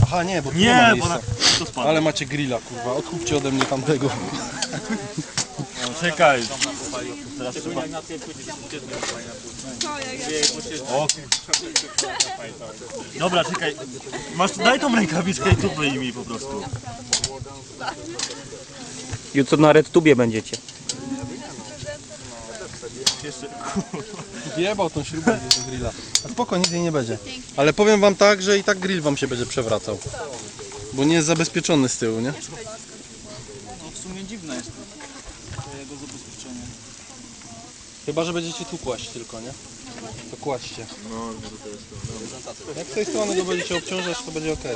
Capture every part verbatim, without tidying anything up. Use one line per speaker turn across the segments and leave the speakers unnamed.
Aha, nie, bo tu nie, ma
Nie, bo
miejsca.
na... to spadło.
Ale macie grilla, kurwa, odkupcie ode mnie tamtego.
No, czekaj. Teraz trzeba... O, dobra, czekaj. Masz, daj tą rękawiczkę i tu wyjmij po prostu.
Jutro na RedTubie będziecie.
Jeszcze...
Jebał tą śrubę do grilla. A spoko, nic jej nie będzie. Ale powiem wam tak, że i tak grill wam się będzie przewracał. Bo nie jest zabezpieczony z tyłu, nie?
No w sumie dziwne jest to jego zabezpieczenie.
Chyba, że będziecie tu kłaść tylko, nie? To kładźcie. No, to jest to. Jak z tej strony go będziecie obciążać, to będzie ok.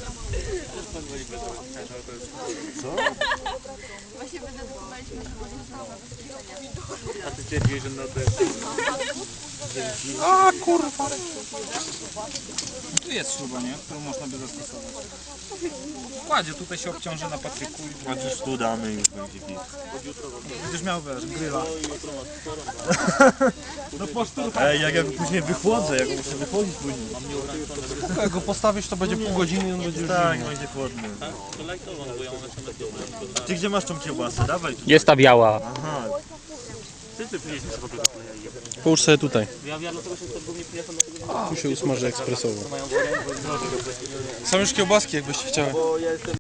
Co?
Właśnie wydedukowaliśmy, że może zostało zabezpieczenie.
A ty twierdziłeś, że no to jest...
A kurwa!
Tu jest śruba, nie? Którą można by zastosować. Kładzie, tutaj się obciąży na patyku i
A już tu damy i już będzie git.
będziesz miał, wiesz, gryla.
No posztur. Ej, jak ja później wychłodzę, jak muszę wychodzić później.
Jak go postawisz, to będzie pół godziny i on będzie już
Tak,
zimny.
będzie chłodny. Ty gdzie masz tą kiełbasę? Dawaj tu.
Jest ta biała.
Aha.
Połóż sobie tutaj. Tu się usmaży ekspresowo. Są już kiełbaski, jakbyście chciały.